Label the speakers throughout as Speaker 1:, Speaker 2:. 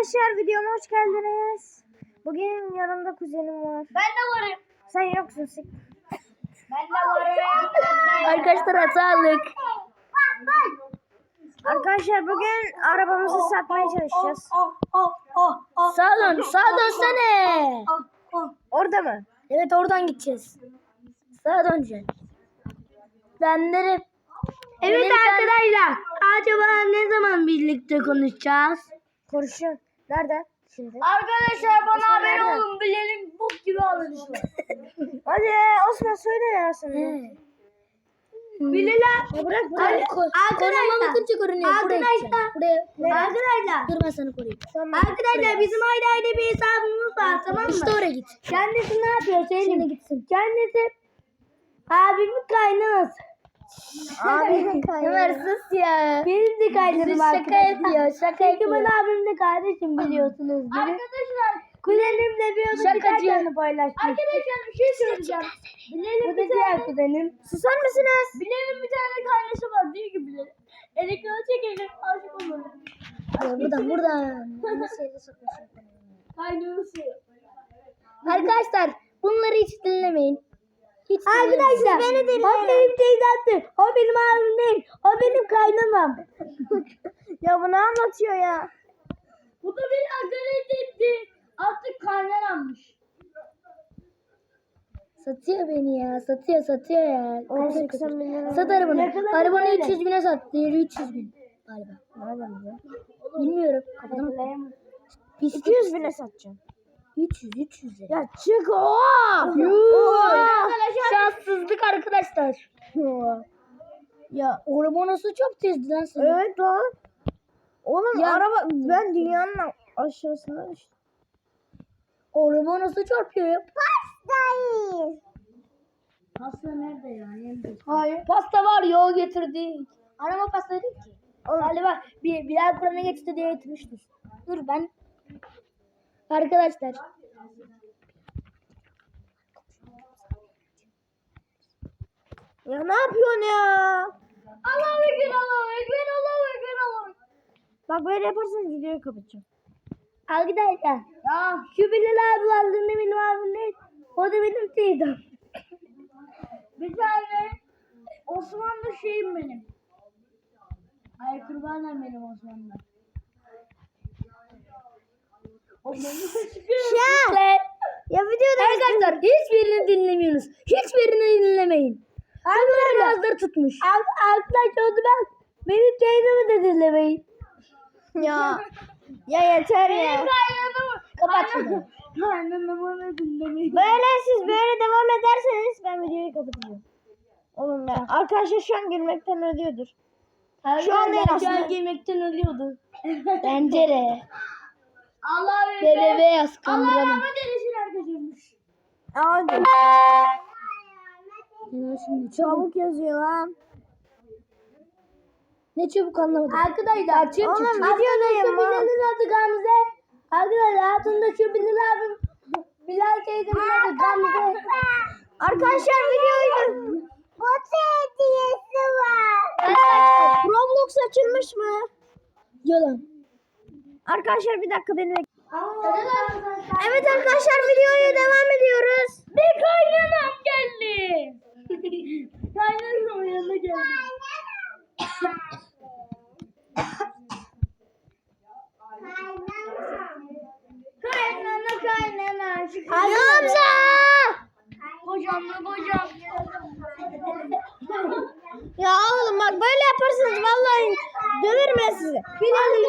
Speaker 1: Arkadaşlar videoma hoş geldiniz. Bugün yanımda kuzenim var.
Speaker 2: Ben de varım.
Speaker 1: Sen yoksun sık.
Speaker 2: Ben de varım.
Speaker 3: Arkadaşlar sağlık.
Speaker 1: Arkadaşlar bugün arabamızı satmaya çalışacağız.
Speaker 3: Sağa dönsene.
Speaker 1: Orada mı?
Speaker 3: Evet, oradan gideceğiz. Sağa döneceğiz. Evet arkadaşlar. Acaba ne zaman birlikte konuşacağız?
Speaker 1: Konuşuyor. Nerede? Şimdi.
Speaker 2: Arkadaşlar bana haber
Speaker 1: Nerede?
Speaker 2: olun. Bilelim bok gibi alınışlar.
Speaker 1: Hadi Osman söyle ya sen.
Speaker 3: Bilal.
Speaker 1: Ya bırak
Speaker 3: Koruma bakınca görünüyor.
Speaker 2: Arkadaşlar.
Speaker 3: Buraya.
Speaker 2: Arkadaşlar.
Speaker 3: Dur, ben sana koruyayım.
Speaker 2: Arkadaşlar bizim ayrı bir hesabımız var, tamam mı?
Speaker 3: İşte oraya git.
Speaker 2: Kendisi ne yapıyor söyleyeyim.
Speaker 3: Şimdi gitsin.
Speaker 2: Kendisi abimin kaynanası.
Speaker 1: Abi
Speaker 3: Ömer sus ya.
Speaker 2: Benim de kaynanım
Speaker 3: Şaka
Speaker 2: arkadaşlar.
Speaker 3: yapıyor. Şaka
Speaker 2: Çünkü
Speaker 3: yapıyor.
Speaker 2: ben abim de kardeşim biliyorsunuz. Arkadaşlar kuzenimle bir odada
Speaker 3: Şakacı.
Speaker 2: kaynanı paylaşmış. Arkadaşlar bir şey söyleyeceğim. Bu da diğer kuzenim.
Speaker 1: susar mısınız?
Speaker 2: Bilal'in bir tane kardeşi var diyor ki Bilal. Elektriği çekelim aşık olur.
Speaker 3: Buradan.
Speaker 2: Kaynanası.
Speaker 3: Arkadaşlar bunları hiç dinlemeyin. Hiç
Speaker 2: Arkadaşlar
Speaker 1: beni dinleyin.
Speaker 2: o benim teyzemdir. O benim abim değil. O benim kaynanam.
Speaker 1: Ya bu ne anlatıyor ya?
Speaker 2: Bu da beni hakaret etti. Artık kaynanammış.
Speaker 3: Satıyor beni ya. Satıyor ya.
Speaker 1: 80 bin lira.
Speaker 3: Sat arabanı.
Speaker 2: Ne kadar
Speaker 3: Arabanı
Speaker 2: böyle?
Speaker 3: 300 bine sat. Diğeri 300 bin. Galiba.
Speaker 1: Nereden ya?
Speaker 3: Bilmiyorum. Kapadım.
Speaker 1: 200 bine satacağım.
Speaker 3: 300 lira.
Speaker 1: Ya çık o.
Speaker 3: Şanssızlık arkadaşlar.
Speaker 1: Ya
Speaker 3: Araba nasıl çok tezdi lan senin?
Speaker 1: evet lan. Oğlum
Speaker 3: Ya-
Speaker 1: araba ben dünyanın aşağısında işte.
Speaker 3: Araba nasıl çarpıyor ya?
Speaker 2: Pasta nerede ya?
Speaker 3: Hayır. Pasta var ya, o getirdik. Araba pasta değil ki. Galiba Bilal Kur'an'a geçti diye getirmiştir. Dur ben. Arkadaşlar.
Speaker 1: Ya ne yapıyorsun ya?
Speaker 2: Allahu Ekber, Allahu Ekber, Allahu Ekber, Allahu Ekber.
Speaker 1: Bak böyle yaparsanız videoyu kapatacağım.
Speaker 3: Arkadaşlar.
Speaker 2: Ya
Speaker 3: Şu Bilal abi var. Ne benim abim değil. O da benim teyzem.
Speaker 2: bir tane Osmanlı şeyim benim. Ay kurbanım benim Osmanlı.
Speaker 1: Ya videoda
Speaker 3: Arkadaşlar hiçbirini dinlemiyorsunuz. Hiçbirini dinlemeyin. Bunların ağızları tutmuş.
Speaker 2: Arkadaşlar ben benim teyzemi de dinlemeyin.
Speaker 1: ya yeter ya.
Speaker 2: Kaynanamı.
Speaker 3: Kapat şunu.
Speaker 2: Kaynanamı da dinlemeyin.
Speaker 1: Böyle siz böyle devam ederseniz ben videoyu kapatacağım. Oğlum ya arkadaşlar şu an gülmekten ölüyordur. Şu an değil
Speaker 2: Şu
Speaker 1: aslında.
Speaker 2: an yemekten ölüyordu.
Speaker 3: Pencere.
Speaker 2: Allah Ekber.
Speaker 3: BBB yaz
Speaker 2: Allah
Speaker 3: kandıralım.
Speaker 2: rahmet eylesin herkes.
Speaker 1: Hadi.
Speaker 3: Şimdi
Speaker 1: Çabuk yazıyor lan.
Speaker 3: ne çabuk anlamadım.
Speaker 2: Arkadaşlar
Speaker 1: Oğlum videodayım lan.
Speaker 2: Bilal'in adı Gamze. Arkadaşlar altında şu Bilal abim. Bilal teyzemin adı Gamze.
Speaker 1: Arkadaşlar videoyu. Bot hediyesi var. Roblox açılmış mı?
Speaker 3: Yalan.
Speaker 1: Arkadaşlar bir dakika beni bekleyin. Evet arkadaşlar videoya devam ediyoruz.
Speaker 2: Bir kaynanam geldi. Kaynanamın yanına geldi. Kaynana.
Speaker 1: Hamza!
Speaker 2: Kocam.
Speaker 1: Ya oğlum bak böyle yaparsanız vallahi döverim ben sizi.
Speaker 2: Bilal'im.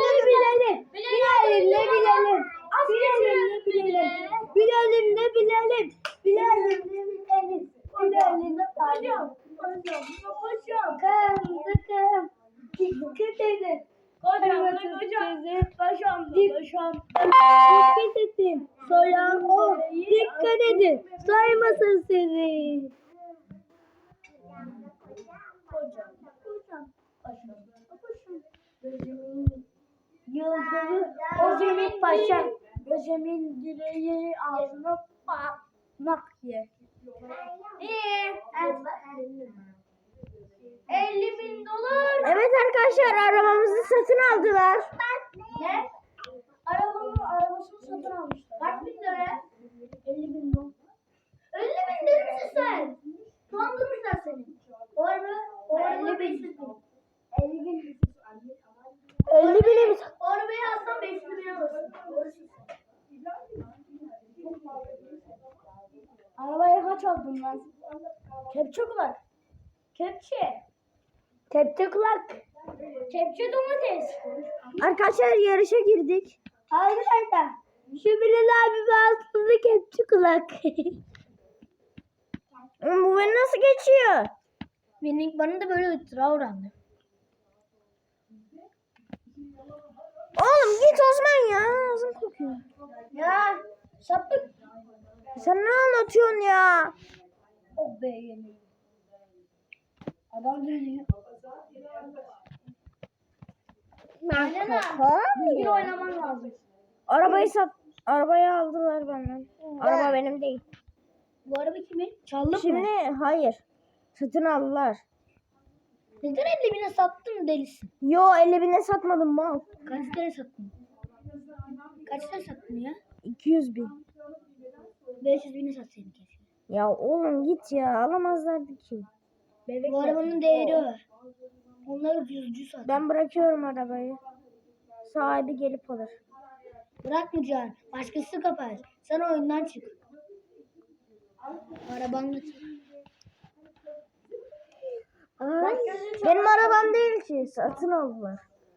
Speaker 3: Dikkat edin. Soyan o. Dikkat edin. Saymasın sizi.
Speaker 2: Yıldızı Özemin Paşa. Özemin direği ağzına patmak ye. İyi. 50.000 dolar.
Speaker 1: Evet arkadaşlar arabamızı satın aldılar.
Speaker 2: Ne? Arabamı
Speaker 3: Arabaya kaç aldın lan? Kepçe kulak. Kepçe. Kepçe kulak. Kepçe domates.
Speaker 1: Arkadaşlar yarışa girdik.
Speaker 2: Arkadaşlar şu Bilal abi aslında kepçe kulak.
Speaker 1: Bu beni nasıl geçiyor?
Speaker 3: Bana da böyle ıtıra uğrandı.
Speaker 1: Oğlum git Osman ya. Ağzım kokuyor.
Speaker 3: Ya sapık.
Speaker 1: Sen ne anlatıyorsun ya?
Speaker 3: Oh be yemeği. Adam dönüyor. Aynen ha. Düzgün oynaman lazım.
Speaker 1: Arabayı aldılar benden. Araba benim değil.
Speaker 3: Bu araba kimin? Çaldı mı?
Speaker 1: Şimdi hayır. Satın aldılar.
Speaker 3: Neden 50.000'e sattın delisin?
Speaker 1: Yo 50.000'e satmadım mal.
Speaker 3: Kaç liraya sattın? Kaç liraya sattın ya?
Speaker 1: 200.000.
Speaker 3: 500.000'e satsaydın keşke.
Speaker 1: Ya oğlum git ya alamazlardı ki.
Speaker 3: Bu arabanın değeri var. Onlar ucuzcu sattı.
Speaker 1: Ben bırakıyorum arabayı. Sahibi gelip alır.
Speaker 3: Bırakmayacaksın. Başkası kapar. Sen oyundan çık. Arabanla çık.
Speaker 1: Ay, benim arabam değil ki. Satın aldılar.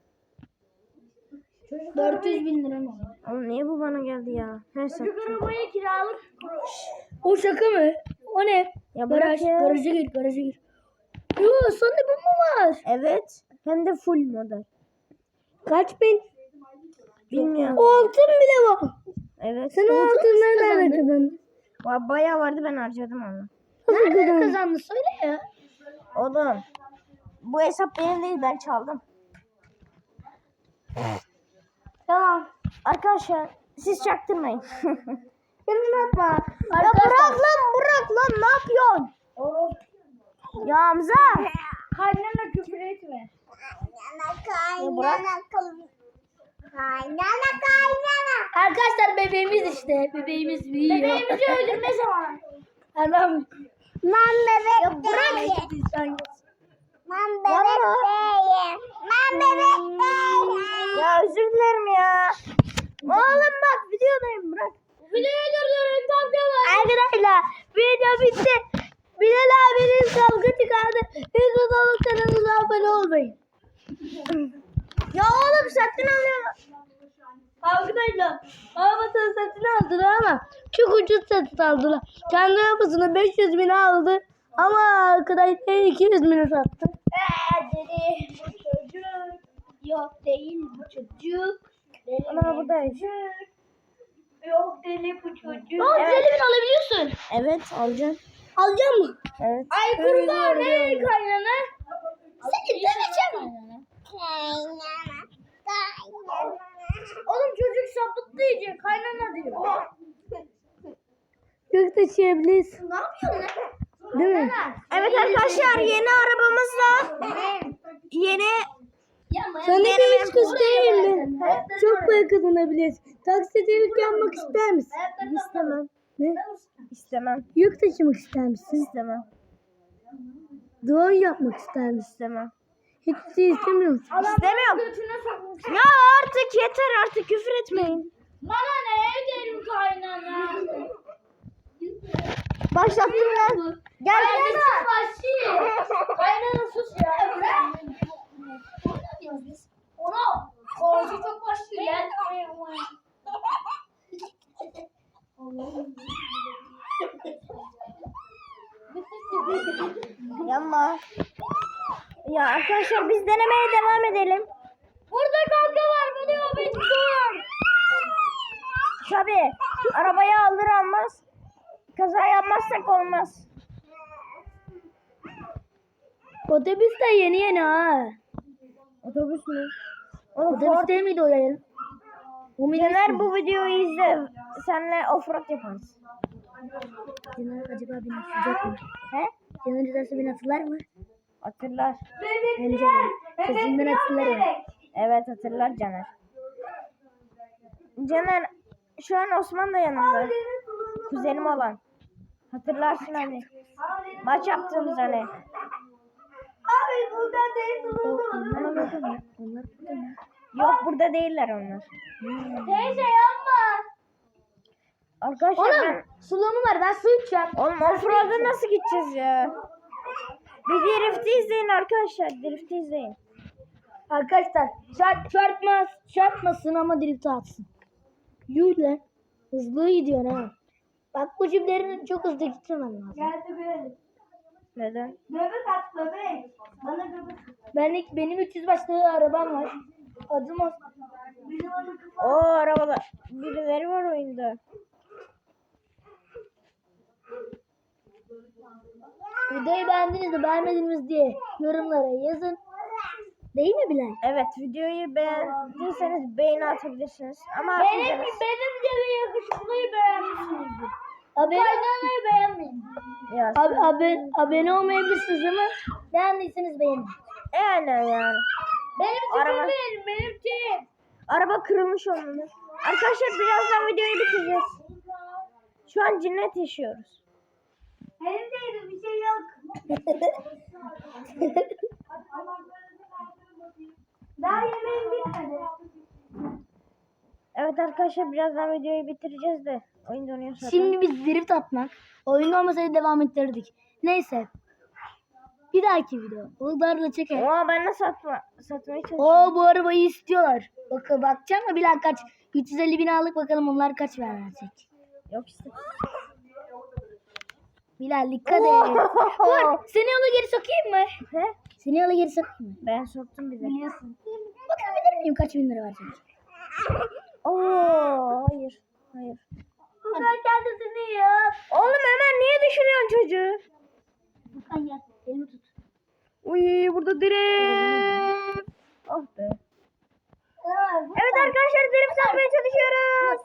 Speaker 3: 400.000 lira mı?
Speaker 1: Oğlum niye bu bana geldi ya? Her sattım.
Speaker 3: Arabaya kiralık. O şaka mı? O ne?
Speaker 1: Ya bırak ya.
Speaker 3: Garaja gir, garaja gir. Yoo, sende bu mu var?
Speaker 1: Evet. Hem de full model.
Speaker 3: Kaç bin?
Speaker 1: Bilmiyorum.
Speaker 3: Altın bile var.
Speaker 1: Evet.
Speaker 3: Sen o altın nereden kazandın?
Speaker 1: Bayağı vardı ben harcadım onu.
Speaker 3: Nereden kazandın? Söyle ya.
Speaker 1: Oğlum. Bu hesap benim değil ben çaldım.
Speaker 3: Tamam.
Speaker 1: Arkadaşlar siz çaktırmayın.
Speaker 3: Yemin atma.
Speaker 1: Ya bırak lan ne yapıyorsun? Ya Hamza.
Speaker 3: Kaynana küfür etme.
Speaker 1: Ya bırak.
Speaker 3: Arkadaşlar bebeğimiz işte. Bebeğimiz büyüyor. Bebeğimizi öldürme zamanı. Adam.
Speaker 2: Ben bebek
Speaker 3: Ya bırak.
Speaker 2: değilim. Ben bebek değilim. Ben bebek değilim.
Speaker 1: Ya özür dilerim ya. Oğlum bak videodayım bırak.
Speaker 3: Videoyu durdurun kavga var.
Speaker 2: Arkadaşlar video bitti. Bilal abinin kavga çıkardı. Siz de kanalımıza abone olmayın.
Speaker 1: Ya oğlum satın alıyor.
Speaker 2: Arkadaşlar arabasını satın aldılar ama çok ucuz satın aldılar. Kendi arabasını 500.000'e aldı ama arkadaşlar 200.000'e sattı.
Speaker 3: Dedi bu çocuk. Yok değil bu çocuk. Deli
Speaker 1: Ana buradayız.
Speaker 3: Yok deli bu çocuk.
Speaker 1: Evet.
Speaker 3: 150.000 alabiliyorsun.
Speaker 1: Evet alacağım.
Speaker 3: Alacak mı?
Speaker 1: Evet.
Speaker 3: Ay kurban ey kaynana. Seni döveceğim. Oğlum çocuk sapıttı iyice kaynana diyor.
Speaker 2: Çok taşıyabilirsin.
Speaker 3: Ne yapıyorsun lan?
Speaker 2: Değil mi?
Speaker 1: Evet arkadaşlar yeni arabamızla yeni
Speaker 2: Sana bir hiç göstereyim mi? Çok para kazanabilirsin. Taksicilik yapmak ister misin?
Speaker 1: istemem.
Speaker 2: Ne?
Speaker 1: İstemem.
Speaker 2: Yük taşımak ister misin?
Speaker 1: İstemem.
Speaker 2: Drone yapmak ister misin?
Speaker 1: İstemem.
Speaker 2: Hiçbir şey istemiyor musun?
Speaker 1: İstemiyorum.
Speaker 3: Götüne sokmuş.
Speaker 1: Ya artık yeter artık küfür etmeyin.
Speaker 3: Bana ne ederim kaynana?
Speaker 1: Başlattım lan. Gel.
Speaker 3: Kaynana. Kaynana sus ya. Ne diyoruz biz? Ona korku çok başlıyor.
Speaker 1: Yanma. Ya arkadaşlar biz denemeye devam edelim.
Speaker 3: Burada kavga var. Biliyor beni dur.
Speaker 1: Tabii arabayı alır almaz kaza yapmazsak olmaz.
Speaker 2: Otobüs de yeni ha.
Speaker 1: Otobüs mü? Oğlum
Speaker 2: Otobüs değil miydi o yayın?
Speaker 1: Caner bu videoyu izle. Senle offroad yaparız.
Speaker 2: Caner acaba beni atacak mı?
Speaker 1: He?
Speaker 2: Caner izlerse beni hatırlar mı?
Speaker 1: Hatırlar.
Speaker 2: Bence de. Sesinden hatırlar mı?
Speaker 1: Evet hatırlar Caner. Caner şu an Osman da yanımda. Kuzenim olan. Hatırlarsın hani. Maç yaptığımız hani.
Speaker 2: Abi buradan değil
Speaker 3: Onlar burada mı?
Speaker 2: Onlar burada mı?
Speaker 1: Yok burada değiller onlar.
Speaker 3: Teyze yapma.
Speaker 1: Arkadaşlar
Speaker 3: Oğlum suluğumu ver ben su içeceğim.
Speaker 1: Oğlum offroad'a nasıl gideceğiz ya? Bir drift'i izleyin arkadaşlar. Drift'i izleyin.
Speaker 3: Arkadaşlar çarpmasın ama drift atsın. Yuh lan. Hızlı gidiyor ha. Bak bu cimlerin çok hızlı gitmemen lazım.
Speaker 2: Geldi böyle.
Speaker 1: Neden?
Speaker 2: Göbek at göbek. Bana göbek.
Speaker 3: Benim 300 başlı arabam var. Adım Osman.
Speaker 1: O arabalar. Birileri var oyunda.
Speaker 3: Videoyu beğendiniz mi beğenmediniz diye yorumlara yazın. Değil mi Bilal?
Speaker 1: Evet videoyu beğendiyseniz beğeni atabilirsiniz. Ama
Speaker 3: Benim
Speaker 1: atmayacaksınız.
Speaker 3: de bir yakışıklıyı beğenmişsinizdir. Abone beğenmeyin.
Speaker 1: Ya,
Speaker 3: Abone olmayabilirsiniz ama beğendiyseniz beğenin.
Speaker 1: yani.
Speaker 3: Benim
Speaker 1: Araba-
Speaker 3: benim için.
Speaker 1: Araba kırılmış olmalı. Arkadaşlar birazdan videoyu bitireceğiz. Şu an cinnet yaşıyoruz.
Speaker 3: Benim bir şey yok. Daha yemeğim bitmedi.
Speaker 1: Evet arkadaşlar birazdan videoyu bitireceğiz de. Oyun donuyor zaten.
Speaker 3: Şimdi biz drift atmak. Oyun olmasaydı devam ettirdik. Neyse. Bir dahaki video. Bulgarla çeker.
Speaker 1: Oo ben nasıl satmaya çalışıyorum.
Speaker 3: Oo bu arabayı istiyorlar. Bakacağım mı Bilal kaç? 350 bin aldık bakalım onlar kaç verecek.
Speaker 1: Yok işte.
Speaker 3: Bilal dikkat et. Dur seni yola geri sokayım mı?
Speaker 1: He?
Speaker 3: Seni yola geri sokayım mı?
Speaker 1: Ben soktum bize.
Speaker 3: Biliyorsun. Bakabilir miyim kaç bin lira verecek?
Speaker 1: Oo hayır. Hayır.
Speaker 3: Sen kendisini yap.
Speaker 1: Oğlum hemen niye düşürüyorsun çocuğu?
Speaker 3: Furkan gel. Elimi tut.
Speaker 1: Uy burada drift. Oh be. Evet arkadaşlar drift yapmaya çalışıyoruz.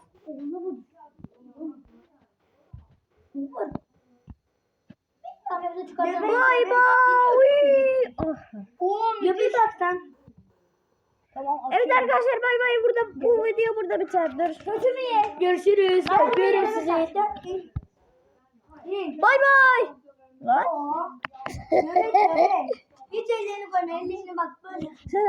Speaker 1: Bay bay. Uy. Oh.
Speaker 3: Göbek atsan. Tamam.
Speaker 1: Evet arkadaşlar bay bay burada bu video burada biter. Dur.
Speaker 3: Kötü mü ye? Görüşürüz. Öpüyorum sizi.
Speaker 1: Bay bay. Lan.
Speaker 3: Hiç ellerini koyma. Ellerini bak böyle.